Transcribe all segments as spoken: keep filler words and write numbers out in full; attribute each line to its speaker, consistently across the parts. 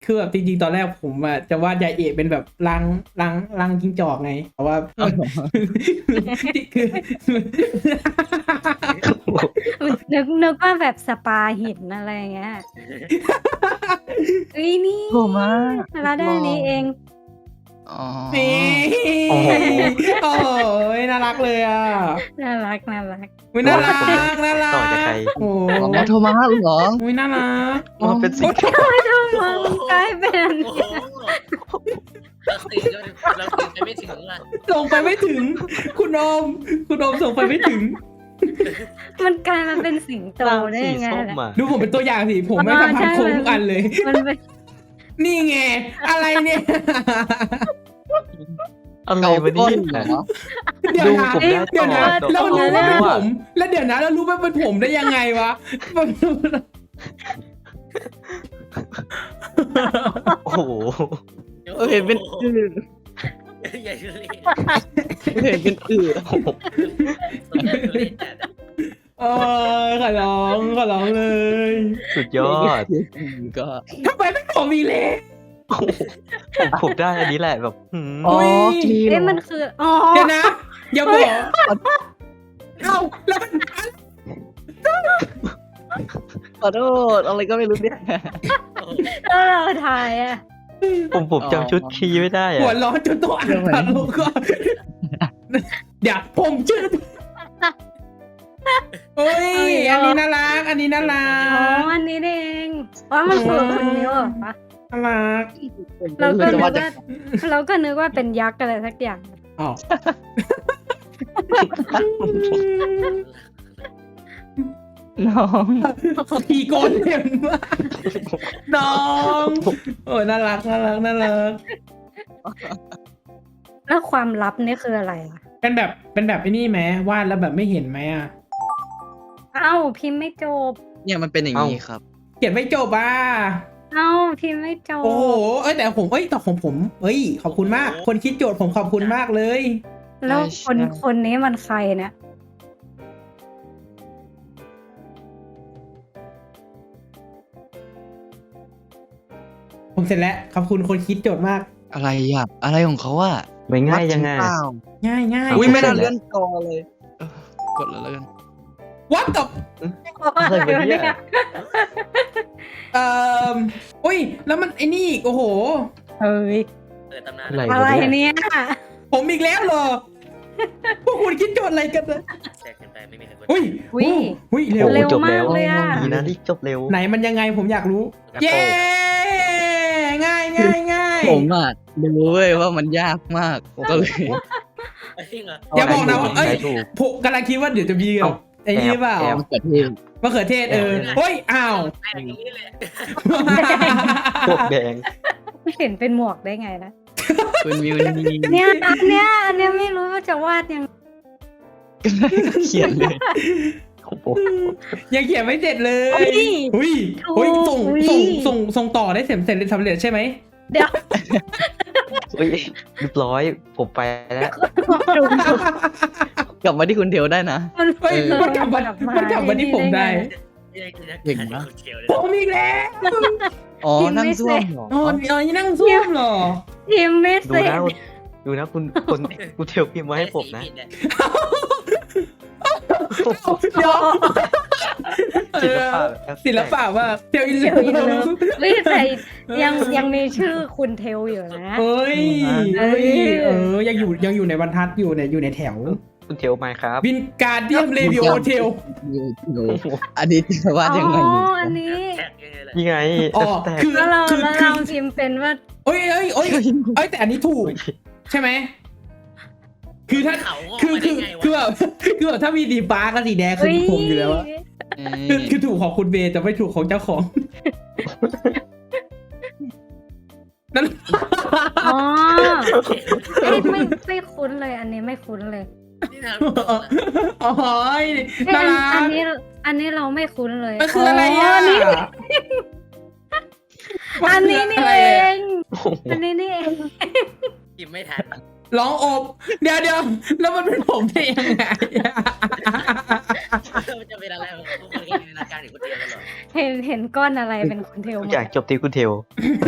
Speaker 1: คือแบบจริงๆตอนแรกผมอะจะวาดยายเอะเป็นแบบรังรังรังจิ้งจอกไงแต่ว่าคือ
Speaker 2: นึกนึกว่าแบบสปาหินอะไรเงี้ยเฮ้ยนี่
Speaker 3: โหมา
Speaker 2: เราได้อันนี้เอง
Speaker 3: อ๋อ
Speaker 1: นี่โอ้ยน่ารักเลยอ่ะ
Speaker 2: น่ารักน่ารัก
Speaker 1: อุ้ยน่ารักน่ารัก
Speaker 4: ต่อจากใคร
Speaker 1: โอ้
Speaker 3: อ๋อโทมัสเหรอ
Speaker 1: อุ้ยน่ารัก
Speaker 4: มันเป็นสิ่งที่
Speaker 2: มันกลายเป็นอัน
Speaker 5: โอ้
Speaker 2: นี้
Speaker 5: โหเราตื่นเราตื่นไปไม่ถึงอ่ะ
Speaker 1: ส่งไปไม่ถึง คุณโอมคุณโอมส่งไปไม่ถึง
Speaker 2: มันกลายมาเป็นสิงโต
Speaker 4: ร่าง
Speaker 2: ได้
Speaker 4: สี
Speaker 2: ยังไง
Speaker 4: ส้ม
Speaker 2: ล่ะ
Speaker 4: อ่ะ
Speaker 1: ดูผมเป็นตัวอย่างสิผมไม่ทำทำโค้งทุกอันเลย
Speaker 2: มันเป็น
Speaker 1: นี่ไงอะไรเนี่ย
Speaker 4: อะไร
Speaker 3: เกาว
Speaker 4: ะ
Speaker 3: ก้
Speaker 4: เนี่
Speaker 3: นเหร
Speaker 4: ย
Speaker 3: อ
Speaker 1: เดี๋ยวนะ
Speaker 4: ดูผมได้
Speaker 1: เดี๋ยวนะ
Speaker 4: ต่อ
Speaker 1: เรารู้ว่าเป็น
Speaker 4: ต่อ
Speaker 1: ผม แล้วเดี๋ยวนะเรารู้ว่าเป็นผมได้ยังไงวะ
Speaker 4: โอ้โห
Speaker 3: เออเห็นเป็นอือ
Speaker 5: ใหญ่เลย
Speaker 3: เห็นเป็นอือ
Speaker 1: เออขอร้องขอร้องเลย
Speaker 4: สุดยอด
Speaker 3: ก็
Speaker 1: ทำไมไม่ผมอีเล่
Speaker 4: ผมผมได้อันนี้แหละแบบหืม
Speaker 3: อ๋อที
Speaker 2: เอ๊ะมันคืออ๋อ
Speaker 1: เดี๋ยวนะอย่าบอกเอ้าแล้วมัน
Speaker 3: ขอโทษอะไรก็ไม่รู้เนี่ย
Speaker 2: แล้วเราถ่ายอ่ะ
Speaker 4: ผมผมจำชุดคีย์ไม่ได้
Speaker 1: หัว
Speaker 4: อะ
Speaker 1: ร้อนจนตัวอ่านตัดลงก็เดี๋ยวผมชื่อโอ้ยอันนี้น่ารักอันนี้น่ารั
Speaker 2: อ๋อก อันนี้เองว่ามันคือคนนิ้วเหรอปะ
Speaker 1: น่ารัก
Speaker 2: เราก็นึก
Speaker 3: จะว่า
Speaker 2: ว่าเราก็นึกว่าเป็นยักษ์อะไรสักอย่าง
Speaker 1: อ๋อ
Speaker 3: น้อง
Speaker 1: ผีโกนเห็นมากน้องโอ้ยน่ารักน่ารักน่ารัก
Speaker 2: แล้วความลับนี่คืออะไรอ่ะ
Speaker 1: เป็นแบบเป็นแบบไอ้นี่ไหมวาดแล้วแบบไม่เห็นไหมอ่ะ
Speaker 2: เอ้าพิมพ์ไม่จบ
Speaker 3: เนี่ยมันเป็นอย่างนี้ครับ
Speaker 1: เขียนไม่จบอ่ะ
Speaker 2: เอ้าพิมพ์ไม่จบ
Speaker 1: โอ้โหเอ้ยแต่ผมเอ้ยแต่ของผมเอ้ยขอบคุณมาก คนคิดโจทย์ผมขอบคุณมากเลย
Speaker 2: แล้วคน
Speaker 3: ใช่
Speaker 2: คนนี้มันใครเนี่ย
Speaker 1: ผมเสร็จแล้วขอบคุณคนคิดโจทย์มาก
Speaker 3: อะไรอ่ะอะไรของเขาอ่ะ
Speaker 4: ไม่ง่ายยังไง
Speaker 3: วัดจริเปล่า
Speaker 1: ง่ายง่าย
Speaker 3: อุ้ย
Speaker 4: เา
Speaker 3: ไม่น่า
Speaker 4: เสร็จแล้ว
Speaker 3: เลื่อนกอเลยเออกดเลยแล้วกัน
Speaker 1: วัดกับ
Speaker 2: อะไรวะเนี่ย
Speaker 1: เอ่ออุ้ยแล้วมันไอ้นี่อีกโอ้โห
Speaker 2: เฮ้ย
Speaker 5: เปิดตำนาน
Speaker 4: อะไร
Speaker 2: อะไร
Speaker 4: วะเนี่ย
Speaker 2: เนี่ย
Speaker 1: ผมอีกแล้วเหรอพวกคุณคิดโจทย์อะไรกันนะ
Speaker 5: แทรกกันไปไม่มีใครกด
Speaker 1: อุ้ยอุ้ยเร็ว
Speaker 2: เร็ว
Speaker 4: จบ
Speaker 2: มา
Speaker 4: แล้
Speaker 2: ก
Speaker 4: ว
Speaker 2: เลยอ่ะ
Speaker 4: ดีนะที่จบเร็ว
Speaker 1: ไหนมันยังไงผมอยากรู้ เย้ง่ายง่ายง่าย
Speaker 3: ผมอ่ะรู้เว้ยว่ามันยากมากก็เลย
Speaker 5: จริงเหรอ
Speaker 1: อย่าบอกนะว่าเอ้ย
Speaker 4: ใช้ถูก
Speaker 1: ผมกำลังคิดว่าเดี๋ยวจะมีแบบไอ้นี่เปล่า
Speaker 4: แอบ
Speaker 3: มันเกิดเทศ
Speaker 1: มะเขือเทศเออเฮ้ยอ้าว
Speaker 5: แทรกอย่างนี้เลย
Speaker 4: พวกแดง
Speaker 2: ไม่เห็นเป็นหมวกได้ไงนะ
Speaker 3: คุณมิวนี่
Speaker 2: เนี่ยอันเนี้ยอันเนี้ยไม่รู้ว่าจะวาดยัง
Speaker 3: เขียนเลย
Speaker 4: ของผม
Speaker 1: ยังเขียนไม่เสร็จเลย
Speaker 2: เฮ้ย
Speaker 1: หุ้ยหุ้ยส่ง
Speaker 2: อุ้ย
Speaker 1: ส่งส่งส่งต่อได้เสร็จเสร็จสำเร็จใช่ไหม
Speaker 2: เดี๋ยว
Speaker 4: เฮ้ยเรียบร้อยผมไปแล้ว
Speaker 2: ดู
Speaker 3: กลับมาที่คุณเทวได้นะ
Speaker 2: มัน
Speaker 1: เฮ้ย
Speaker 3: เออ
Speaker 1: มันกลับมามันกลับมาที่ผมได้
Speaker 3: เก่งนะ
Speaker 5: เขียวเลย
Speaker 1: ผมอีกแล้ว
Speaker 3: อ๋อนั่งซ่วมเหรอ
Speaker 1: อ๋ออ๋อนี่นั่งซ่วมเหรอ
Speaker 2: พิมพ์ไม่
Speaker 4: ดู
Speaker 2: เสร็จ
Speaker 4: นะดูนะคุณคนคุณเทลพิมพ์มาให้ผมนะ
Speaker 1: เดี๋ยว
Speaker 4: ศิลปะแบบ
Speaker 1: ศิลปะว่าเทลอินเล
Speaker 2: เดี๋ยวอีกเลิฟเฮ้ยแต่ยังยังมีชื่อคุณเทลอยู่นะ
Speaker 1: เอ้ยเอ้ยเออยังอยู่ยังอยู่ในบรรทัดอยู่เนี่ยอยู่ในแถว
Speaker 4: คุณเทลมาครับ
Speaker 1: วินการเดียมเรวิโอเทล
Speaker 3: อันนี้จะวาดยังไง
Speaker 2: อ๋
Speaker 3: ดี
Speaker 2: ออันนี้
Speaker 5: แทรกยังไงล่ะ
Speaker 4: นี่ไง
Speaker 1: อ๋อ
Speaker 4: แต่
Speaker 1: คือ
Speaker 2: แล้วเรา
Speaker 1: คือ
Speaker 2: แล้ว
Speaker 1: คื
Speaker 2: เรา
Speaker 1: อ
Speaker 2: พิมพ์เป็นว่า
Speaker 1: เอ้ยเอ้ยเอ้ยเอ้ยแต่อันนี้ถูกใช่ไหมคือถ้า
Speaker 5: เขางอก
Speaker 1: คือ
Speaker 5: มา
Speaker 1: คื
Speaker 5: ได้
Speaker 1: อ
Speaker 5: ไง
Speaker 1: คือ
Speaker 5: วะ
Speaker 1: แบบคือแบบถ้ามีสีฟ้ากับสีแดงคือผมอยู่แล้วอะ
Speaker 3: เอ
Speaker 1: คือ
Speaker 3: อ
Speaker 1: คือถูกของคุณเบย์แต่ไม่ถูกของเจ้าของนั่น
Speaker 2: อ๋อเอ้ยไม่ไม่คุ้นเลยอันนี้ไม่คุ้นเลย
Speaker 5: นี่นะ
Speaker 1: อ๋อ
Speaker 2: เอ้ย
Speaker 1: น่า
Speaker 2: อัน
Speaker 1: รั
Speaker 2: อัน
Speaker 1: ก
Speaker 2: นี้อันนี้เราไม่คุ้นเลย
Speaker 1: มันคืออะไรอ่ะ
Speaker 2: นนี้อันนี้นี่
Speaker 1: มั
Speaker 2: เอ
Speaker 1: คืะไระ
Speaker 2: งอันนี้นี่เอง
Speaker 5: พิมพ์ไม่ทัน
Speaker 1: ร้องอบเดี๋ยวเดี๋ยวแล้วมันเป็นผมได้ยังไงอะ
Speaker 5: มันจะเป็นอะไรของพวกคนกันนะนาการถึงคนเดียวกันเหรอ
Speaker 2: เห็นเห็นก้อนอะไรเป็นคุณเทล
Speaker 4: ทุ
Speaker 2: ห
Speaker 4: ก
Speaker 2: ม
Speaker 4: อย่าง
Speaker 2: ด
Speaker 4: จบที่คุณเทล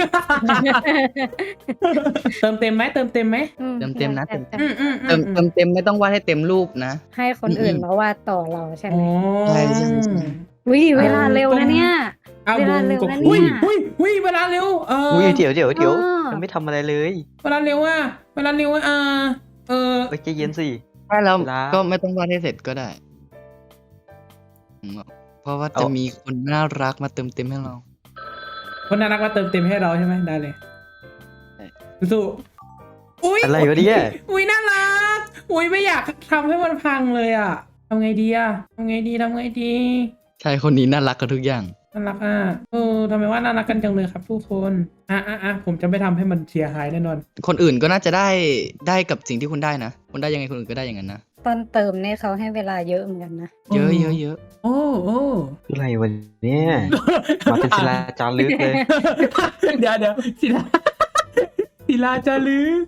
Speaker 1: เติมเต็มไหมเติมเต็มไหม
Speaker 2: อื
Speaker 3: เติมเต็มนะ
Speaker 2: แต่แต่
Speaker 1: อืมอืม
Speaker 3: เติมเติมเต็มไม่ต้องวาดให้เต็มรูปนะ
Speaker 2: ให้คนอื่นมาวาดต่อเราใช่ไหม
Speaker 1: อ๋อ
Speaker 3: ใช่ใช่ใช่
Speaker 2: วิเวลาเร็วนะเนี่ย
Speaker 1: เอา
Speaker 2: เว
Speaker 1: บุ
Speaker 2: ลาเร็ว
Speaker 1: กบ
Speaker 2: นะ
Speaker 1: อุ้ย
Speaker 2: เนี่ย
Speaker 1: อุ้ยอุ้ยเวลาเร็วเออ
Speaker 4: อุ้ยเดี๋ยวเดี๋ยวเดี๋ยว
Speaker 2: อ๋อ
Speaker 4: ยังไม่ทำอะไรเลย
Speaker 1: เวลาเร็วอ่ะเวลาเร็วอ่ะเออเออ
Speaker 4: เอ้ยใจเย็นสิ
Speaker 3: ใช่แล้ว
Speaker 4: เวลา
Speaker 3: ก็ไม่ต้องวาดให้เสร็จก็ได้อืมเพราะว่าจะ
Speaker 4: เอา
Speaker 3: มีคนน่ารักมาเติมเต็มให้เรา
Speaker 1: คนน่ารักมาเติมเต็มให้เราใช่ไหมได้เลย
Speaker 3: ใช่
Speaker 1: สู้อุ้ย
Speaker 4: อะไรวะเนี่ย
Speaker 1: อุ้ยน่ารักอุ้ยไม่อยากทำให้มันพังเลยอ่ะทำไงดีอ่ะทำไงดีทำไงดี
Speaker 3: ใช่คนนี้น่ารักกับทุกอย่าง
Speaker 1: น่ารักอ่ะเออทำไมว่าน่ารักกันจังเลยครับทุกคนอ่ะอ่ะอ่ะผมจะไม่ทำให้มันเสียหายแน่นอน
Speaker 3: คนอื่นก็น่าจะได้ได้กับสิ่งที่คุณได้นะคุณได้ยังไงคนอื่นก็ได้อย่างนั้นนะ
Speaker 2: ตอนเติมเนี่ยเขาให้เวลาเยอะเหมือนกันนะ
Speaker 3: เยอะเยอะเยอะ
Speaker 1: โอ้โอ้
Speaker 4: อะไรวะเนี่ย มาเป็นศิลาจารึกเลย
Speaker 1: เดี๋ยวเดี๋ยวศิลาศิลาจารึก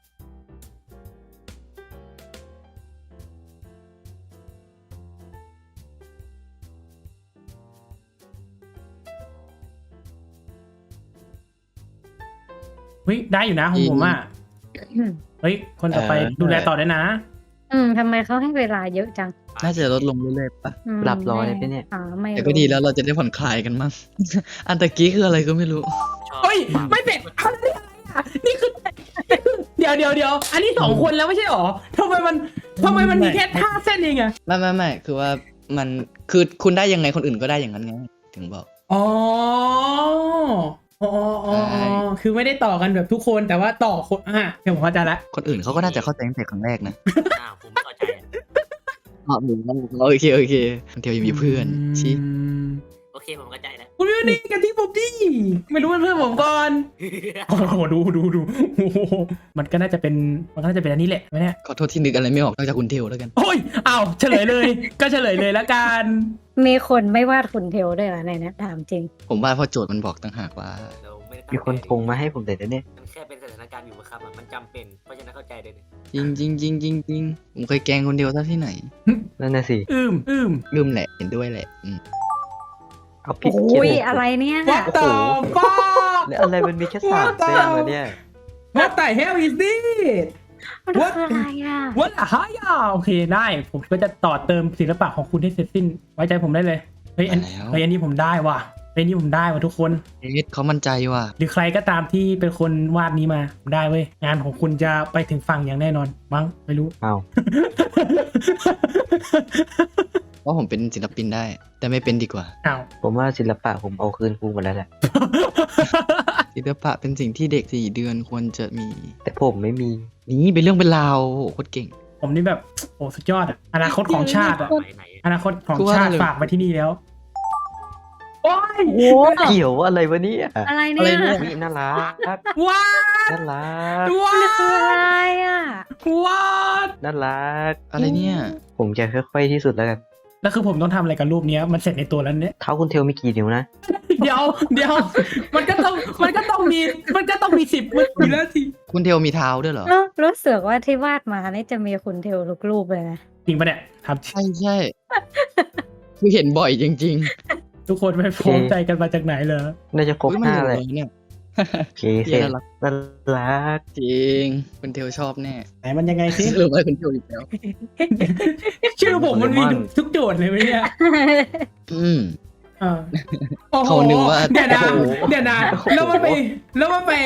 Speaker 1: เฮ้ยได้อยู่นะของผมอ่ะเฮ้ยคนต่อไปดูแลต่อได้นะ
Speaker 2: อืมทำไมเขาให้เวลาเยอะจัง
Speaker 3: น่าจะลดลงเรื่อยๆปะ
Speaker 2: อืม
Speaker 4: หลับรอเลยปะเนี่ย
Speaker 2: อ่าไม่
Speaker 3: แต่ก็ดีแล้วเราจะได้ผ่อนคลายกันมั้ง อันตะกี้คืออะไรก็ไม่รู้
Speaker 5: ชอบ
Speaker 1: เฮ้ยไม่เป็นอะไรอ่ะนี่คือเดี๋ยวเดี๋ยวเดี๋ยวอันนี้สองคนแล้วไม่ใช่หรอทำไมมันทำไมมันมีแค่ท่าเส้นเองอะ
Speaker 3: ไม่ไม่ไม่คือว่ามันคือคุณได้ยังไงคนอื่นก็ได้อย่างนั้นไงถึงบอก
Speaker 1: อ๋ออ๋ออ๋อ
Speaker 3: ใช่
Speaker 1: อ๋อคือไม่ได้ต่อกันแบบทุกคนแต่ว่าต่อคนอ่ะเดี๋ยวผมเข้าใจละ
Speaker 3: คนอื่นเขาก็น่าจะเข้าใจตั้งแต่ครั้งแรกนะ
Speaker 5: อ้าวผมไม่เข้าใจอะ
Speaker 3: อ๋อโอเคโอเคคนเดียวยังมีเพื่อนชี้
Speaker 1: ม
Speaker 5: โอเคผมเข้าใจแล้ว
Speaker 1: คุณไม่ได้กันที่ผมดิไม่รู้เป็นเพื่อนผมก่อนโอ้โหดูดูดูโอ้โหมันก็น่าจะเป็นมันก็น่าจะเป็นอันนี้แหละไหมเนี่ย
Speaker 3: ขอโทษที่นึกอะไรไม่ออกนอกจากคุณเทวแล้วกัน
Speaker 1: โอ้ยอ้าวเฉลยเลย ก็เฉลยเลยละกัน
Speaker 2: มีคนไม่วาดคุณเทลด้วยเหรอในนี้ถามจริง
Speaker 3: ผมว่าพอโจทย์มันบอกต่างหากว่า
Speaker 5: เราไม่ได้ตั้ง
Speaker 4: มีคน
Speaker 5: ใจ
Speaker 4: พงมาให้ผมแต่เดี๋ยวนี้
Speaker 5: มันแค่เป็นสถานการณ์อยู่บังคับอะมันจำเป็นเพราะฉะนั้นเข้าใจเลยเนี่ย
Speaker 3: จริงจริงจริงจริงจริงผมเคยแกล้งคนเดียวซะที่ไหน
Speaker 4: นั่นน่ะสิ
Speaker 1: อืมอืม
Speaker 3: ลืมแหละเห็นด้วยแหละอืม
Speaker 4: เอาผิด
Speaker 2: โอ้
Speaker 4: เขียน
Speaker 2: ยอะไรเนี่ย
Speaker 1: What the fuck
Speaker 4: แล้วอะไรมันมีแค่สามเส้นวะเนี่ย
Speaker 1: What the hell is this
Speaker 2: มันคืออะไรอ่ะ
Speaker 1: What the hell โอเคได้ ผมก็จะต่อเติมศิลปะของคุณให้เสร็จสิ้น ไว้ใจผมได้เลย เฮ้ยอัน
Speaker 3: มาแล้ว
Speaker 1: เฮ้ยอันนี้ผมได้ว่ะเฮ้ยอันนี้ผมได้ว่ะทุกคน
Speaker 3: เอ็ดเขามั่นใจว่ะ
Speaker 1: หรือใครก็ตามที่เป็นคนวาดนี้มาผมได้เว้ย งานของคุณจะไปถึงฝั่งอย่างแน่นอน มั้ง ไม่รู้
Speaker 4: เอา
Speaker 3: ว่าผมเป็นศิลปินได้ แต่ไม่เป็นดีกว่า
Speaker 1: อ้าว
Speaker 4: ผมว่าศิลปะผมเอาคืนครูหมดแล้วแหละ
Speaker 3: ศิลปะเป็นสิ่งที่เด็กสี่เดือนควรจะมี
Speaker 4: แต่ผมไม่มี
Speaker 3: นี่เป็นเรื่องเป็นราวโอ้โหโคตรเก่ง
Speaker 1: ผมนี่แบบ โอ้สุดยอดอะอนาคตของชาติอะ
Speaker 5: ไหนไหน
Speaker 1: อนาคตของ
Speaker 3: คือว่า
Speaker 1: ชาติ
Speaker 3: อะไร
Speaker 1: ฝากไว้ที่นี่แล้ว โอ้ย
Speaker 2: โอ้
Speaker 4: เกี่ยวอะไรวะเนี่ย
Speaker 2: อะไร
Speaker 3: อะไร
Speaker 2: เนี่ย
Speaker 3: เนี่ย
Speaker 4: วิน่ารัก
Speaker 1: ว้า
Speaker 4: น่ารัก
Speaker 1: ว้า
Speaker 2: มันคืออะไรอ่ะ
Speaker 1: ว้า
Speaker 4: น่ารัก
Speaker 3: อะไรเนี่ย
Speaker 4: ผมจะค่อยๆที่สุดแล้วกัน
Speaker 1: แล้วคือผมต้องทำอะไรกับรูปเนี้ยมันเสร็จในตัวแล้วเนี่ย
Speaker 4: เท้าคุณเทลมีกี่นิ้วนะ
Speaker 1: เดี๋ยวเดี๋ยวมันก็ต้องมันก็ต้องมีมันก็ต้องมีสิบมันอยู่แล้วสิ
Speaker 3: คุณเทวมีเท้าด้วยเหรอ
Speaker 2: แล้วรู้สึกว่าที่วาดมานี่จะมีคุณเทลทุกรูปเลยนะ
Speaker 1: จริงปะเนี่ยทำจริง
Speaker 3: ใช่ใช่คือเห็นบ่อยจริง
Speaker 1: ทุกคนไม่พร้อมใจกันมาจากไหนเหรอ
Speaker 4: น่าจะ
Speaker 3: ๆ
Speaker 4: ครบ
Speaker 3: อุ๊ย
Speaker 4: ห
Speaker 3: มัน
Speaker 4: น้า
Speaker 3: เห
Speaker 4: เล
Speaker 3: ลือย เนี่ย
Speaker 4: โอเคเสร็จ
Speaker 3: น่ารัก
Speaker 4: น่ารัก
Speaker 3: จริงคุณเทวชอบแน่
Speaker 1: ไหนมันยังไงสิ
Speaker 3: หรือว่าคุณเทวอีกแล้ว
Speaker 1: ชื่อผมมันมีทุกโจทย์เลยไหมเนี่ย
Speaker 3: อืม
Speaker 1: อ่าโอ้โห
Speaker 3: เขานึกว่า
Speaker 1: เดี๋ยวนะ
Speaker 3: โอ้โห
Speaker 1: เดี๋ยวนะแล้วมันไปแล้วมันไป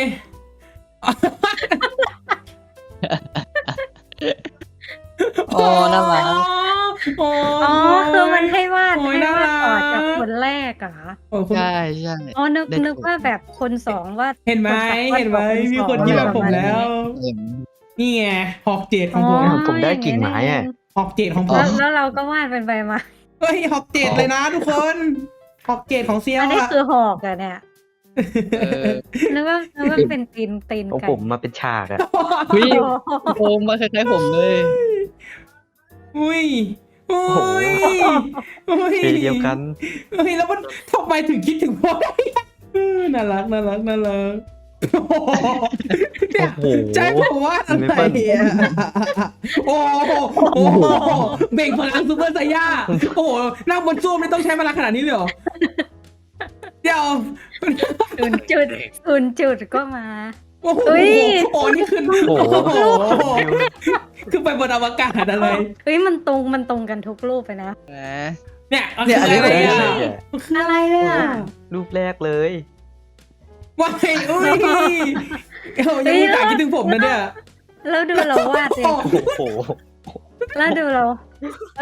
Speaker 3: อ๋อน่ารัก
Speaker 1: อ๋อ
Speaker 2: อ๋อคือมันให้วาด
Speaker 1: โอ้ย
Speaker 2: ให้วาดต่อ
Speaker 1: น่ารัก
Speaker 2: จากคนแรกเหรอ
Speaker 1: โอ้คุณ
Speaker 3: ใช่ใช่
Speaker 2: อ๋อนึก
Speaker 3: ได้
Speaker 2: นึกว่าแบบคนสองวาด
Speaker 1: เห็นไหม
Speaker 2: คนสอง
Speaker 1: เห็นไหม
Speaker 2: วาด
Speaker 1: มีคน
Speaker 2: สอง
Speaker 1: คิดแบบผมแล้ว
Speaker 3: เห็น
Speaker 1: นี่ไงหอกเจดของผม
Speaker 2: อ๋อ
Speaker 4: ผมได้กิ่งไม้อะ
Speaker 1: หอกเจดของผ
Speaker 2: แล้
Speaker 1: ม
Speaker 2: วแล้วเราก็วาดเป็นใบไม้
Speaker 1: เฮ้ยหอกเจดเลยนะทุกคนหอกเจดของเซียว
Speaker 2: อันนี้
Speaker 1: อะ
Speaker 2: คือหอกอะเนี่ย
Speaker 3: เออ
Speaker 2: นึกว่านึกว่าเป็นตีนตีน
Speaker 4: ของ
Speaker 2: ไก่
Speaker 4: ผมมาเป็นฉากอะ
Speaker 3: เฮ้ย
Speaker 2: โอ้โห
Speaker 3: โอมมาคล้ายๆผมเลย
Speaker 1: อุ้ยอุ้ยอุ้ย
Speaker 4: สีเดียวกัน
Speaker 1: เฮ้ยแล้วมันทำไมถึงคิดถึงพ่อได้อะเออน่ารักน่ารักน่ารักโอ้โหเนี่ย
Speaker 4: โอ้โห
Speaker 1: ใจผมว่าอะ
Speaker 4: ไม่
Speaker 1: ไร
Speaker 4: เปิ้ล
Speaker 1: อ่ะโอ้โหโอ้โหเบ่งพลังซูเปอร์ไซย่าโอ้โหนั่งบนซ่วมไม่ต้องใช้พลังขนาดนี้เลยเหรอเดี๋ยว
Speaker 2: ศูนย์จุดศูนย์จุดก็มา
Speaker 1: โอ้โห
Speaker 2: เฮ้ย
Speaker 1: โอ้โหนี่คือ
Speaker 4: โอ้โห
Speaker 1: โอ้โหคือไปบนอวกาศอะไร
Speaker 2: เฮ้ยมันตรงมันตรงกันทุกรูปไปนะ
Speaker 3: แหม
Speaker 1: เนี่ย
Speaker 3: เนี่ยอันนี้
Speaker 1: อะไร
Speaker 4: ไม่
Speaker 1: อ่ะ
Speaker 4: ใช่เนี่ย
Speaker 2: อะไรอ่ะ
Speaker 4: รูปแรกเลย
Speaker 1: ว้ายอุ้ยเอ้ายังมีตาคิดถึงผมนะเนี่ย
Speaker 2: แล้วดูเราวาดเอง
Speaker 4: โอ้โห
Speaker 2: แล้วดูเราแล้ว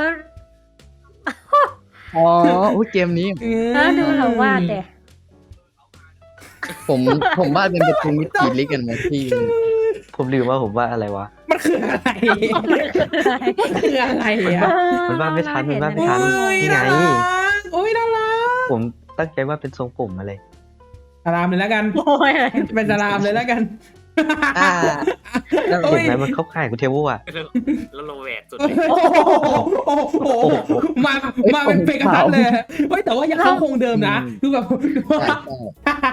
Speaker 3: อ๋ออุ๊ยเกมนี้
Speaker 2: แล้วดูเราวาดเด็
Speaker 3: ผมผมว่าเป็นประตูมิติลิกกันมาที่
Speaker 4: ผมลืมว่าผมว่าอะไรวะ
Speaker 1: มันคืออะไรมันคืออะไรอ่ะ
Speaker 4: มันวาดไม่ทันมันวาดไม่ทัน
Speaker 1: โอ้ย
Speaker 4: นี่ไง
Speaker 1: น่ารักโอ้ยน่ารัก
Speaker 4: ผมตั้งใจว่าเป็นทรงผมอะไร
Speaker 1: สลามเลยแล้วกัน
Speaker 2: โอ้ย
Speaker 1: เป็นสลามเลยแล้วกัน
Speaker 3: อ่า
Speaker 1: โอ้
Speaker 4: เห็น
Speaker 1: ย
Speaker 4: ไหมมันเข้าข่ายคุณเทวอ่ะ
Speaker 5: แล้วโลแวกสุด
Speaker 1: โอ้โหโอ้โหมา มาเป็นเปกระพัดเลยเฮ้ยแต่ว่ายังเข้าโครงเดิมนะคือแบบ
Speaker 3: ใช่ใช่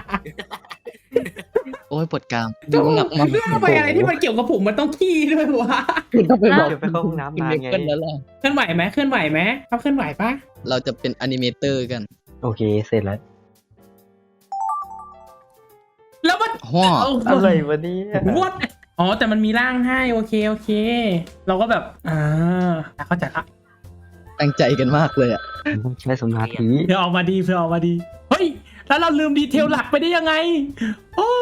Speaker 3: โอ้ยปวดกรามดูหนักมาก
Speaker 1: เรื่องไปอะไรที่มันเกี่ยวกับผมมันต้องขี้ด้วยวะ
Speaker 3: คุณต้องไปบอก
Speaker 4: เดี๋ยวไปเข้าห้องน้ำ
Speaker 3: คุณ
Speaker 4: นาน
Speaker 3: เบ
Speaker 4: ไง
Speaker 3: เกิลแล้วล่ะ
Speaker 1: เคลื่อนไหวไหมเคลื่อนไหวไหมเขาเคลื่อนไหวปะ
Speaker 3: เราจะเป็นอนิเมเตอร์กัน
Speaker 4: โอเคเสร็จแล้ว
Speaker 1: แล้วมัน
Speaker 3: ฮ่อ
Speaker 4: อะไรวะเนี่ย
Speaker 1: วดอ๋อแต่มันมีร่างให้โอเคโอเค เราก็แบบอ่าเข้าใจละ
Speaker 3: ตั้งใจกันมากเลยอ่ะ
Speaker 4: ใช้สมาธิ
Speaker 1: เพื่อออกมาดีเพื่อออกมาดีเฮ้ยแล้วเราลืมดีเทลหลักไปได้ยังไงโอ้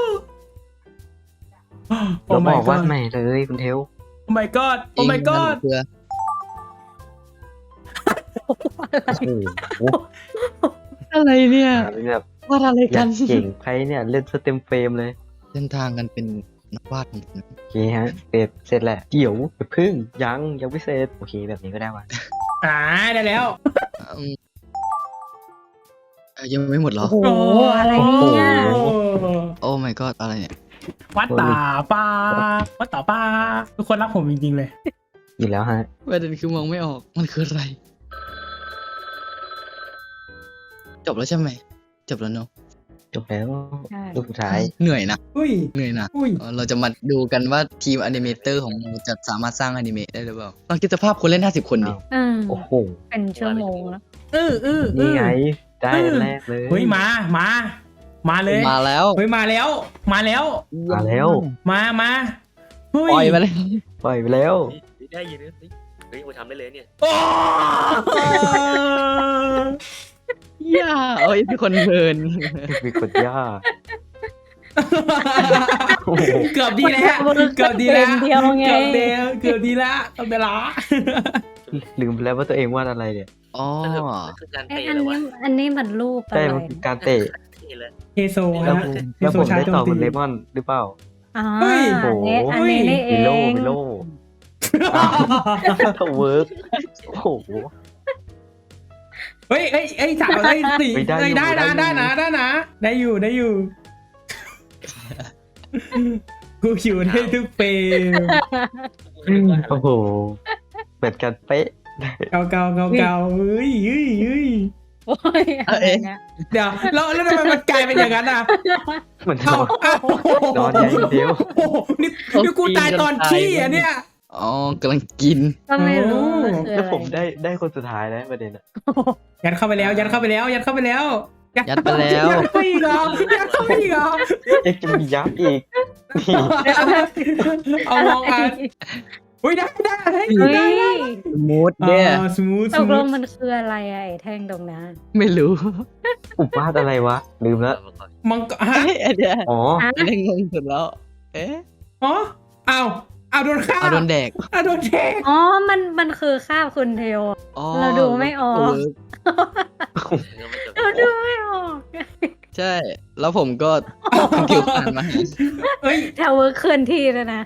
Speaker 1: โอ้
Speaker 4: เราบ
Speaker 1: my
Speaker 4: อกว่า
Speaker 1: god
Speaker 4: ใหม่เลยคุณเทว
Speaker 1: โอ้ my god โอ้ my god
Speaker 3: เพื่อ
Speaker 4: โอ้โห
Speaker 3: อะไรเนี่ย
Speaker 4: แบบ
Speaker 3: วาดอะไร
Speaker 4: อ
Speaker 3: กั
Speaker 4: ยาน กเก่งใครเนี่ยเล่นสเต็มเฟรมเลย
Speaker 3: เส้นทางกันเป็นนักวาดของผม
Speaker 4: โอเคฮะเสร็จเสร็จแหละเดี๋ยวอย่าพึ่งยังยังไม่เสร็จโอเคแบบนี้ก็ได้วะ
Speaker 1: อ่าได้แล้ว
Speaker 3: อืมเอ่อยังไม่หมดเหรอ
Speaker 2: โอ้โหอะไรเนี่ย
Speaker 1: โอ้
Speaker 3: โอ้ my god อะไรเนี่ย
Speaker 1: วัดตาปาวัดตาปาทุกคนรักผมจริงๆเลย
Speaker 4: อีกแล้วฮะ
Speaker 3: ประเด็นคือมองไม่ออกมันคืออะไร จบแล้วใช่ไหมจบแล้วเนาะ
Speaker 4: จบแล้ว
Speaker 2: ใช่
Speaker 4: รูปสุดท้าย
Speaker 3: เหนื่อยนะ
Speaker 1: อุ้ย
Speaker 3: เหนื่อยนะ
Speaker 1: อุ้ย
Speaker 3: เออเราจะมาดูกันว่าทีมอนิเมเตอร์ของเราจะสามารถสร้างอนิเมะได้หรือเปล่าลองคิดสภาพคนเล่นห้าสิบคนดิ
Speaker 2: อืม
Speaker 4: โอ้โห
Speaker 2: เป็นชั่วโมงแล้ว
Speaker 1: เออเออเอ
Speaker 4: นี่
Speaker 1: อ
Speaker 4: ไงได้อันแรกเลย
Speaker 1: เฮ้ยมามามาเลย
Speaker 3: มาแล้ว
Speaker 1: เฮ้ยมาแล้ว มาแล้ว
Speaker 4: มาแล้ว
Speaker 1: มามาเฮ้ย
Speaker 3: ปล่อยมาเลย
Speaker 4: ปล่อยไปแล้ว
Speaker 5: ได้ยินนะเฮ้ยกูทำได้เลยเนี่ย
Speaker 1: โอ้
Speaker 3: ย่าเอ้ยเป็นคนเพลิน
Speaker 4: มีคนย่าโอ้โห
Speaker 1: เกือบดีแล้วเกือบดีแล้ว
Speaker 2: เดียวไง
Speaker 1: เกือบเดียวเกือบดีแล้วเกือบเดียวละ
Speaker 4: ลืมไปแล้วว่าตัวเองวาดอะไรเนี่ย
Speaker 3: อ๋อ
Speaker 5: คือการ
Speaker 2: ไอ้
Speaker 5: เตะ
Speaker 2: อัน
Speaker 5: เลยวะ
Speaker 2: นี้อันนี้มันรูปอะ
Speaker 4: ใช่
Speaker 2: ไร
Speaker 4: มันคือการเตะ
Speaker 5: เตะเลย
Speaker 1: เฮโซ
Speaker 4: แล้ว
Speaker 1: ฮะ
Speaker 4: ผม
Speaker 1: เฮ
Speaker 4: แล้ว
Speaker 1: โซ
Speaker 4: ผม
Speaker 1: ชา
Speaker 4: ได้
Speaker 1: โจม
Speaker 4: ต่อ
Speaker 1: ตี
Speaker 4: คุณเลมอนหรือเปล่า
Speaker 2: อ๋อ
Speaker 1: เฮ้ย
Speaker 2: อันนี้อันนี้นี่เอ
Speaker 4: มิโล
Speaker 2: ง
Speaker 4: มิโลเวิร์กโอ้โห
Speaker 1: เฮ้ยเฮ้ยเฮ้ยสามเฮ้ยสี่
Speaker 4: ไม่ได้
Speaker 1: เฮ้ย
Speaker 4: อยู่
Speaker 1: ได้นะ
Speaker 4: ได้
Speaker 1: ได้
Speaker 4: อยู่
Speaker 1: นะได้นะได้อยู่ได้อยู่กูอยู่ได้ทุกเฟรม
Speaker 4: โอ้โหเหมือนกันเป๊ะ
Speaker 1: เกาเกาเกาเกาเฮ้ยเฮ้ยเฮ้ย
Speaker 2: โอ้ยอะไรเนี่ย
Speaker 1: เดี๋ยวแล้วแล้วทำไมมันกลายเป็นอย่างนั้นอ่ะ
Speaker 4: เหมือนน
Speaker 1: เอ้า
Speaker 4: อน
Speaker 1: เอ้าน
Speaker 4: อนใหญ่เดียว
Speaker 1: โอ้โหนี่นี่กูตายตอนขี้อ่ะเนี่ย
Speaker 3: อ๋อกำลังกิน
Speaker 2: ก็ไม่รู้มันคือ
Speaker 4: แล้ว
Speaker 2: อะไร
Speaker 4: ผมได้ได้คนสุดท้ายแล้วประเด็นอะ
Speaker 1: ยัดเข้าไปแล้ว ยัดเข้าไปแล้ว ยัดเข้าไปแล้ว
Speaker 3: ยัดไปแล้ว
Speaker 1: ยัดไปอีกเหรอยัดเข้าไปอีกเหรอ
Speaker 4: เอ็กซ์จะมียับอีกนี่
Speaker 1: เอามองอ่ะอุ้ยได้ได้ได้
Speaker 2: เฮ้
Speaker 1: ได้
Speaker 2: ย
Speaker 3: มูดเนี่ย
Speaker 1: สมูท
Speaker 2: ต
Speaker 1: ส
Speaker 2: กล
Speaker 1: มู
Speaker 2: ง
Speaker 1: ท
Speaker 2: มันคืออะไรอะไอ้แท่งตรงนั้น
Speaker 3: ไม่รู้
Speaker 4: อุบวาดอะไรวะ ลืมแล้ว
Speaker 1: มังกรฮะ
Speaker 3: เอ้ยอันเนี้ย
Speaker 4: อ๋อ
Speaker 2: อ่ะ
Speaker 3: อันนี้งงสุดแล้ว เอ๊ะ
Speaker 1: อ๋อเอาเอาโดนฆ่า
Speaker 3: เอาโดนแดก
Speaker 1: เอาโดนเทก
Speaker 2: อ๋อ มัน มันคือคาบคุณเทว
Speaker 3: อ๋อ
Speaker 2: เราดูไม่ออก
Speaker 3: เ
Speaker 2: เราดูไม่ออก
Speaker 3: ใช่ แล้วผมก็คุณกิวผ่านมา
Speaker 1: เอ้ย
Speaker 2: แถวเวิร์คเคลื่อนที่แล้วนะ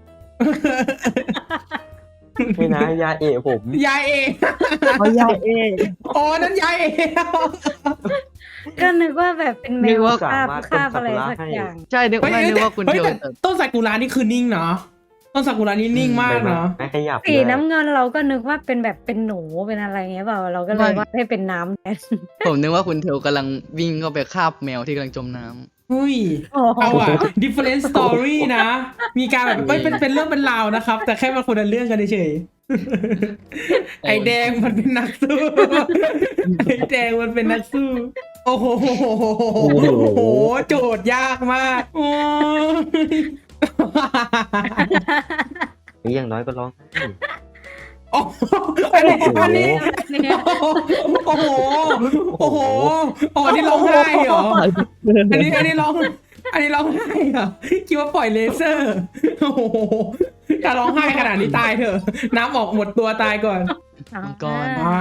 Speaker 4: ไม่นะยาเอะผม
Speaker 1: ยายเอง
Speaker 3: เขายายเอง
Speaker 1: อ๋อนั่นยายเอง
Speaker 2: ก็นึกว่าแบบเป็นแม
Speaker 3: นึก
Speaker 2: ว
Speaker 3: ว่า
Speaker 2: คาบคาบอะไรสักอย่าง
Speaker 3: ใช่นึก
Speaker 1: เฮ้ย
Speaker 3: ว่านึกว่าคุณ
Speaker 1: เฮ้ย
Speaker 3: เทียว
Speaker 1: แต่
Speaker 3: จะ
Speaker 1: ต้นซากุระนี่คือนิ่งเนาะต้นซากุระนี่นิ่งมากเนาะ
Speaker 4: ไม่ขยับ
Speaker 2: สี
Speaker 4: เลย
Speaker 2: น้ำเงินเราก็นึกว่าเป็นแบบเป็นหนูเป็นอะไรเงี้ยเปล่า เราก็เลยว่าให้เป็นน้ำแทน
Speaker 3: ผมนึกว่าคุณเทวกำลังวิ่งเข้าไปคาบแมวที่กำลังจมน้
Speaker 1: อุ้ย
Speaker 2: โอ้โห
Speaker 1: เอาอะ different story นะ มีการแบบไม่เป็นเป็นเรื่องเป็นราวนะครับ แต่แค่มันคนละเรื่องกันเฉยๆไอแดงมันเป็นนักสู้ ไอแดงมันเป็นนักสู้ โอ้โหโอ้โห โจทย์ยากมากโอ้ย
Speaker 4: หรืออย่างน้อยก็ร้องไห้
Speaker 1: โอ้โหอันนี้อันนี้
Speaker 2: เนี่ย
Speaker 1: โอ้โห โอ้โหอ๋ออันนี้ร้องไห้เหรอ อันนี้อันนี้ร้อง อันนี้ร้องไห้เหรอ คิดว่าปล่อยเลเซอร์ โอ้โหถ้าร้องไห้ขนาดนี้ตายเถอะ น้ำออกหมดตัวตายก่อน
Speaker 3: มังกร
Speaker 1: อ่า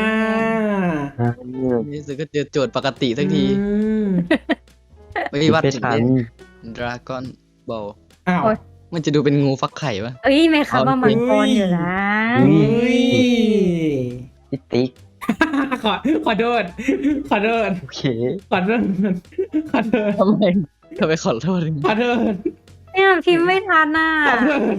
Speaker 3: นี่สุดก็เจอโจทย์ปกติสักที
Speaker 1: อืม
Speaker 3: ไม่วัด
Speaker 4: ไม่
Speaker 3: ถึง
Speaker 4: ทัน
Speaker 3: เล่นดราก้อนบอล
Speaker 1: อ้าว
Speaker 3: มันจะดูเป็นงูฟักไข่ปะ
Speaker 2: เอ้ยไม่คำว่ามังกรอยู่นะ
Speaker 1: อุ้ย
Speaker 4: พี่ติ๊ก
Speaker 1: ขอ ขอโทษ ขอโทษ
Speaker 4: โอเค
Speaker 1: ขอโทษ ขอโทษ
Speaker 3: ทำไมทำไมขอโทษ
Speaker 1: ขอโทษ
Speaker 2: เนี่ยพิมพ์ไม่ทันน่ะ
Speaker 1: ขอโทษ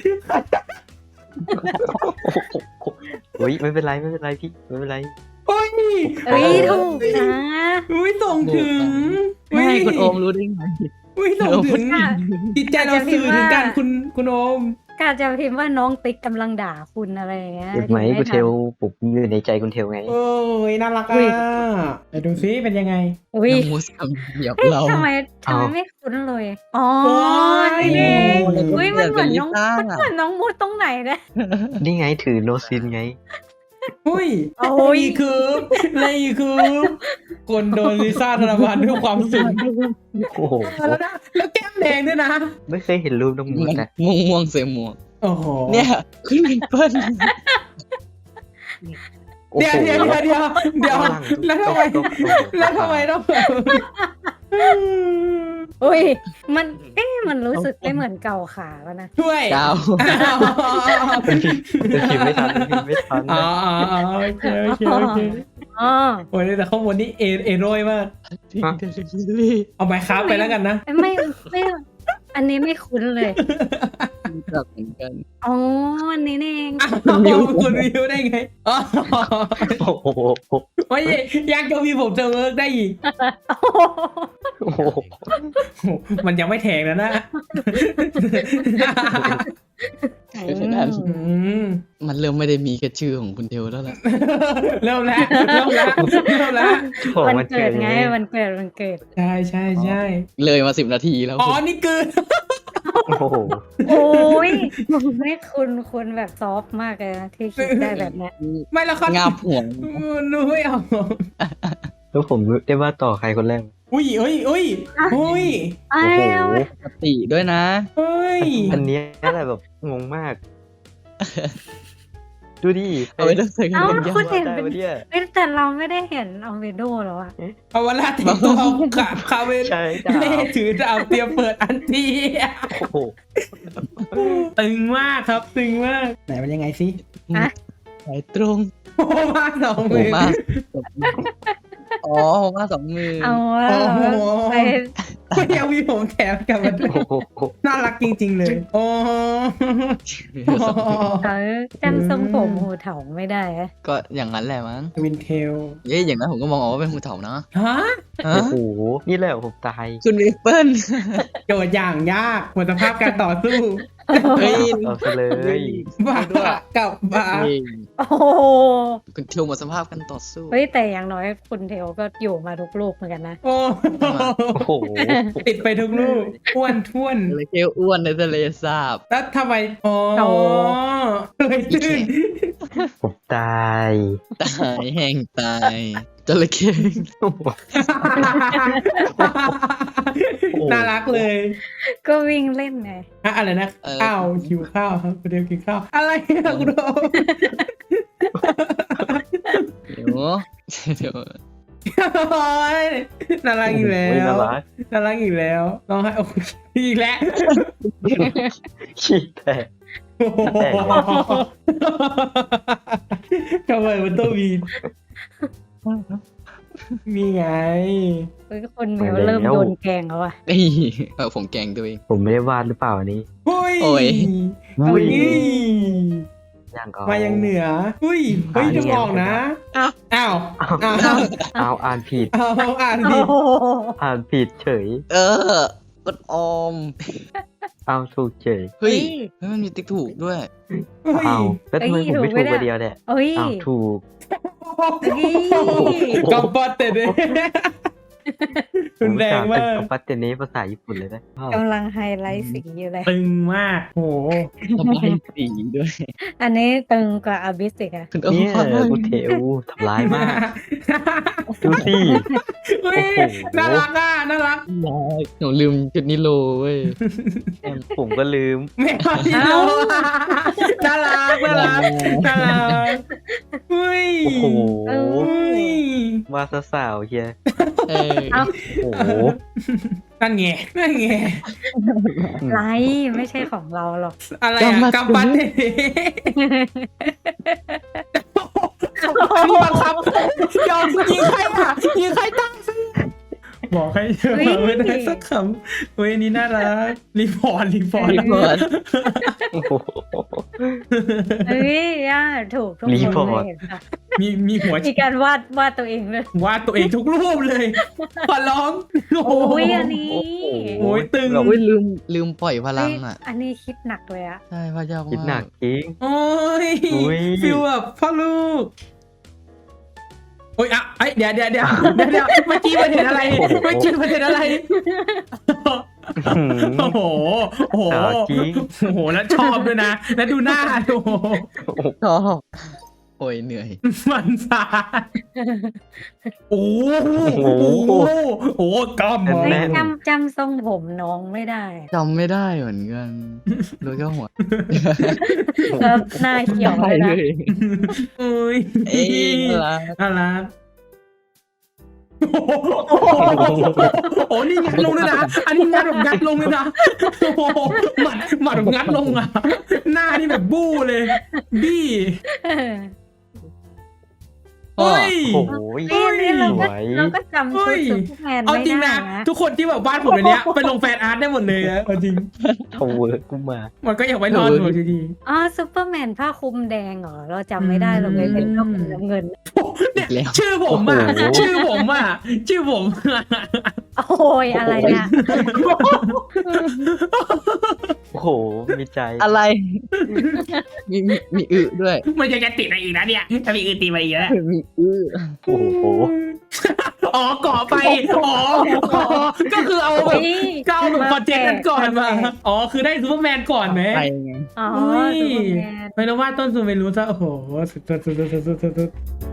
Speaker 4: โอ้ยไม่เป็นไรไม่เป็นไรพี่ไม่เป็นไร
Speaker 1: โอ้ย
Speaker 2: เอ้ยถูกนะ
Speaker 1: อุ้ยส่งถึง
Speaker 3: ไม่คุณโอมรู้ได้ไง
Speaker 1: อุ้ยส่งถึง
Speaker 2: ค่ะ
Speaker 1: จิตใจเราสื่อถึงกันคุณคุณโอม
Speaker 2: กาจะพิมพ์ว่าน้องติ๊กกำลังด่าคุณอะไรอย่างเงี้ย
Speaker 4: เห็นไหม
Speaker 2: พิ
Speaker 4: คุณ
Speaker 2: ทัน
Speaker 4: เทลผมอยู่ในใจคุณเทลไง
Speaker 1: โอ้ยน่ารัก
Speaker 2: อุ้
Speaker 1: อ่ะ
Speaker 2: ย
Speaker 1: ไปดูซิเป็นยังไง
Speaker 2: อุ้ย
Speaker 3: น้องมูสคำเหยียบ
Speaker 2: เฮ้ย
Speaker 3: เรา
Speaker 2: ทำไมทำไม
Speaker 4: เอา
Speaker 2: ไม่คุ้นเลย อ๋อ
Speaker 1: โอ้ย
Speaker 2: นี่เอง
Speaker 3: โอ้ย
Speaker 2: อุ้ยมันเหมือนน้อง
Speaker 3: เป็นลิซ่า
Speaker 2: มันเหมือนน้องมูดตรงไหนนะ
Speaker 4: นี่ไงถือโนซินไง
Speaker 1: อุ้ย
Speaker 2: โอ้ย
Speaker 1: นี่คือนี่คือคนโดนลิซ่าธนบัตรด้วยความสุข
Speaker 4: โอ้โห
Speaker 1: แล้วนะแล้วแก้มแดงด้วยนะ
Speaker 4: ไม่เคยเห็นรูปน้องมูดนะ
Speaker 3: ม่วงม่วงๆเสียหมวก
Speaker 1: โอ้โห
Speaker 3: เนี่ยคุณเปิ้ล
Speaker 4: โอ้
Speaker 1: เดี๋ยว
Speaker 4: โห
Speaker 1: เดี๋ยวเดี๋ยวเดี๋ยวเดี๋ยวแล้วทำไมแล้วทำไมต้องแบบ
Speaker 2: อุ้ยมันเอ๊ะมันรู้สึกไม่เหมือนเก่าขาแล้วนะ
Speaker 1: ช่วย
Speaker 3: ดาว
Speaker 1: อ้าว
Speaker 4: เป็นพิมพ์เป็นพิมพ์ไม่ทันเป็นพิมพ์ไม่ทัน
Speaker 1: อ๋ออ๋ออ๋อโอเคโอเคโอเค
Speaker 2: อ๋อ
Speaker 1: โอ้ยแต่ข้างบนนี่เอเอโรยมาก เอาไมค์ครับไปแล้วกันนะ
Speaker 2: ไม่ไม่ อันนี้ไม่คุ้นเลย
Speaker 3: รู้จักเหมือนกัน
Speaker 2: อ๋อ อันนี้นี่เอง
Speaker 1: อ้าวคุณวิวได้ไงอ๋อ
Speaker 4: โอ้โห
Speaker 1: โอ้ยยังจะมีผมจะเวิร์กได้อีก
Speaker 4: โอ้โห
Speaker 1: มันยังไม่แทงแล้วนะ
Speaker 3: คือขนาด
Speaker 1: อืม
Speaker 3: มันเริ่มไม่ได้มีแค่ชื่อของคุณเทลแล้วล่ะ
Speaker 1: เริ่มแล้วเริ่มแล้วเริ่มแล้ว
Speaker 4: โอ้โห
Speaker 2: วัน
Speaker 4: มัน
Speaker 2: เกิดไง
Speaker 4: มั
Speaker 2: วันเกิดวันเกิด
Speaker 1: ใช่ใช่ใช่
Speaker 3: เลยมาสิบนาทีแล้ว
Speaker 1: อ๋อนี่คือ
Speaker 4: โอ้โห
Speaker 2: โอ้ยไม่คุณคุณแบบซอฟต์มากเลยนะที่คิดได้แบบเนี้ย
Speaker 1: ไม่แล้วเขา
Speaker 3: งาบห่วง
Speaker 1: นูไม่เอา
Speaker 4: แล้วผมได้ว่าต่อใครคนแรก
Speaker 1: อุ้ยเอ้ยเอ้ยเฮ้ย
Speaker 2: ไอ้
Speaker 4: โอ้โห
Speaker 2: เอา
Speaker 3: ปกติด้วยนะ
Speaker 1: เฮ้ย
Speaker 4: อันเนี้ยแหละแบบงงมาก ดูดิ
Speaker 3: เอาไปเลือกใส่กัน
Speaker 2: เอ้า
Speaker 3: เป็นยา
Speaker 2: คุณเห็น
Speaker 4: ได้
Speaker 2: เป็น
Speaker 4: ปะเนี่ย
Speaker 2: เอ้ยแต่เราไม่ได้เห็นเอาเวโดหรอวะ
Speaker 1: เอาเวลาแต่งตัวขาคาเวน
Speaker 4: ใช่จ้า
Speaker 1: เล่ถือดาวเตรียมเปิดอันที
Speaker 4: โอ้โห
Speaker 1: ตึงมากครับตึงมากไหนมันยังไงสิ
Speaker 3: สายตรง
Speaker 1: โอ้มาสอง
Speaker 3: โห
Speaker 1: มือ
Speaker 3: มาอ๋อโหมาสองมือ
Speaker 2: เอาวะ
Speaker 1: โอ้โห
Speaker 2: ไป
Speaker 1: ก็ยังมีผมแถมกลับมาด้วย
Speaker 4: โอ้โห
Speaker 1: น่ารักจริง ๆ เลย โอ้
Speaker 2: เขาจำทรงผมหูเถาไม่ได้อะ
Speaker 3: ก็อย่างนั้นแหละมั้ง
Speaker 1: วินเทล
Speaker 3: เย้อย่างนั้นผมก็มองออกว่าเป็นหูเถานะ
Speaker 1: ฮะ
Speaker 3: ฮะ
Speaker 4: โอ้โห นี่แหละผมตาย
Speaker 3: คุณริปเปิล
Speaker 1: โจทย์อย่างยากหมดสภาพการต่อสู้
Speaker 3: เฮ้ย
Speaker 4: เอาซะเลย
Speaker 1: บ้ากับบ้า
Speaker 2: โอ้โห
Speaker 3: คุณเทลหมดสภาพกันต่อสู้
Speaker 2: เฮ้ยแต่อย่างน้อยคุณเทลก็อยู่มาทุกลูกเหมือนกันนะ
Speaker 1: โอ้
Speaker 4: โอ้โห
Speaker 1: ติดไปทุกลูกอ้วนท้วน
Speaker 3: เลยเทลอ้วนในทะเลสาบ
Speaker 1: แล้วทำไม อ๋อ
Speaker 2: โอ้
Speaker 1: เลยตื้น
Speaker 4: ผมตาย
Speaker 3: ตายแห้งตายจระเข้
Speaker 4: โอ้โห
Speaker 1: น่ารักเลย
Speaker 2: ก็วิ่งเล่นไง
Speaker 1: อะอะไรนะข้าวหิวข้าวครับคุณเดียวกินข้าว อะไรอะคุณโดม
Speaker 3: เดี๋ยวเดี๋ยว
Speaker 1: โอ๊ยน่ารักอีกแล้
Speaker 4: โอ้ยน่าว รัก
Speaker 1: น่ารักอีกแล้วร้องไห้โอ้ยอีกแล้ว
Speaker 4: ขี้แตก
Speaker 1: โอ้โหทำไมมันต้องมีมีไง
Speaker 2: เฮ้ยคนเมลเริ่มโดนแกล้งแล้วอะ
Speaker 3: เอ้ยเออผมแกล้งตัวเอง
Speaker 4: ผมไม่ได้วาดหรือเปล่าอันนี้
Speaker 1: เฮ้ย
Speaker 3: โอ้ย
Speaker 1: เฮ้ย
Speaker 4: ยังเอา
Speaker 1: มายังเหนืออุ้ยเฮ้ย
Speaker 4: อ่า
Speaker 1: จะบอกนะ
Speaker 2: อ้าว
Speaker 1: อ้าวอ้าว
Speaker 4: เอาอ่านผิด
Speaker 1: อ้าวอ่านดิ
Speaker 2: โอ้โห
Speaker 4: อ่านผิดเฉย
Speaker 3: เออกดออม
Speaker 4: เอาถูกเฉย
Speaker 3: เฮ้ยเฮ้ยมันมีติ๊กถูกด้วย
Speaker 1: เฮ้ย
Speaker 4: เอาแล้วทำไมผมไม่ถูกคนเดียวเนี่ย
Speaker 2: เอ้ย
Speaker 4: เอาถูก
Speaker 2: เอ้ย
Speaker 1: กำปั้นเตะเลยรุนแรงมาก
Speaker 4: กับปัตเตเนภาษาญี่ปุ่นเลยนะอ้าว
Speaker 2: กำลังไฮไลท์สีอยู่เลย
Speaker 1: ตึงมากโห
Speaker 3: ทำลายสีด้วย
Speaker 2: อันนี้ตึงกว่าอาบิสอีกอะ
Speaker 3: คุณโอ้
Speaker 4: เนี่ย
Speaker 3: ย
Speaker 4: กูเทวทำร้ายมาก ดูสิ
Speaker 1: เฮ้ย
Speaker 4: โอ้โห
Speaker 1: น่ารักอ่ะน่ารัก
Speaker 3: หนูลืมจุดนิโลเว้ย
Speaker 4: ผมก็ลืม
Speaker 1: แม่พี่โลน่ารักน่ารักน่ารักเฮ้ย
Speaker 4: โอ้โห
Speaker 2: เออ
Speaker 1: เฮ้ย
Speaker 4: มาซะสาวเฮีย
Speaker 3: เออ
Speaker 2: เอ้า
Speaker 4: โอ้โห
Speaker 1: นั่นไงนั่นไง
Speaker 2: ไรไม่ใช่ของเราหรอก
Speaker 1: อะไรอ่ะกำปั้นเตะนี่บังคับยอมยิงใครอ่ะยิงใครตั้งซิบอกให้เธอมาไม่ได้สักคำเฮ้ยนี่น่ารักรีพอร์ตรีพอร์ต
Speaker 3: รีพอร์ต
Speaker 4: โอ้โห
Speaker 2: เฮ้ยย่าถูกทุก
Speaker 4: รี
Speaker 2: ค
Speaker 4: พอน ร์ต
Speaker 2: เลยเห็นปะ
Speaker 1: มีมีหัว
Speaker 2: มีการวาดวาดตัวเองเลยว
Speaker 1: าดตัวเองทุกรูปเลยขอร้องโอ้
Speaker 2: โอ้
Speaker 1: โห
Speaker 2: ยอันนี้
Speaker 1: โอ้ยตึง
Speaker 4: เรา
Speaker 3: โอ้ยลืมลืมปล่อยพลั
Speaker 2: เฮ้
Speaker 3: ง
Speaker 2: ย
Speaker 3: อ่ะ
Speaker 2: อันนี้คิดหนักเลยอะ
Speaker 3: ใช่พระเจ้า
Speaker 4: คิดหนักจริง
Speaker 1: โอ้ย
Speaker 4: อุ๊ย
Speaker 1: ฟิลแบบพ่อลูกโอ้ยอ่ะเอ้ยเดี๋ยวเดี๋ยวเดี๋ยวเดี๋ยวเดี๋ยวเมื่อกี้มันเห็นอะไรเมื่อกี้มันเห็นอะไร
Speaker 4: หืม
Speaker 1: โอ้โหโอ้โห
Speaker 4: สาวจริง
Speaker 1: โอ้โหแล้วชอบด้วยนะ แล้วดูหน้าดู
Speaker 3: ชอบโอ้ยเหนื่อย
Speaker 1: มันสาดโอ้โห
Speaker 4: โอ้โห
Speaker 1: โอ้โหกำ
Speaker 4: แน่
Speaker 2: เฮ้ย
Speaker 4: น
Speaker 2: จำจำทรงผมน้องไม่ได้
Speaker 3: จำไม่ได้เหมือนกันรู้แค่หัว
Speaker 2: แล้วหน้าเขียวเลยนะ
Speaker 1: โอ้ย
Speaker 3: เอ้ยน่ารัก
Speaker 1: น่ารักโอ้โหโอ้นี่งัดลงเลยนะ อันนี้งัดแบบงัดลงเลยนะโอ้โหหมัดหมัดแบบงัดลงอ่ะ หน้านี่แบบบู้เลย บี้
Speaker 3: พ่อ
Speaker 1: เฮ้ย
Speaker 4: โอ้โห
Speaker 2: เฮ้ยอันนี้เราก็
Speaker 4: สวย
Speaker 2: เราก็จำ
Speaker 1: เฮ้
Speaker 2: ชุด
Speaker 1: ย
Speaker 2: ซูเปอร์แมน
Speaker 1: เอา
Speaker 2: ไม่
Speaker 1: จริง
Speaker 2: ได้
Speaker 1: นะ
Speaker 2: นะ
Speaker 1: ทุกคนที่แบบบ้านผมในเนี้ยไปลงแฟนอาร์ตได้หมดเลยนะเอาจริง
Speaker 4: ทาวเวิร์กกูมา
Speaker 1: มันก็อยากไว้นอนหัวที
Speaker 2: อ๋อซูเปอร์แมนผ้าคลุมแดงเหรอ เราจำไม่ได้เราเลยเป็นผ้าคลุมน้ำเงิน
Speaker 1: ๆเนี่ย
Speaker 3: แล้ว
Speaker 1: ชื่อผมอ่ะ
Speaker 4: โอ้โห
Speaker 1: ชื่อผมอ่ะ ชื่อผม
Speaker 2: โอ้ยอะไรเนี่ย
Speaker 4: โอ้โห มีใจ
Speaker 3: อะไร มีมีมีอึด้วย
Speaker 1: มันจะจะติดอะไรอีกนะเนี่ยถ้ามีอื่นตีมาอีกแล้ว
Speaker 3: มีอึ
Speaker 4: โอ้โห
Speaker 1: อ๋อก่อไป อ๋ออ๋อก็คือเอาแบบ
Speaker 2: เฮ้ย
Speaker 1: ก็เอาแบบคอนเทนต์กันก่อนมา
Speaker 2: แปลก
Speaker 1: อ๋อ คือได้ซูเปอร์แมนก่อนไหม
Speaker 3: ไปไง
Speaker 2: อ๋อ
Speaker 1: อุ้ย
Speaker 2: ซูเปอร์แมน
Speaker 1: ไม่รู้ว่าต้นซูเมรู้ซะโอ้โหสุดสุดสุดสุดสุดสุด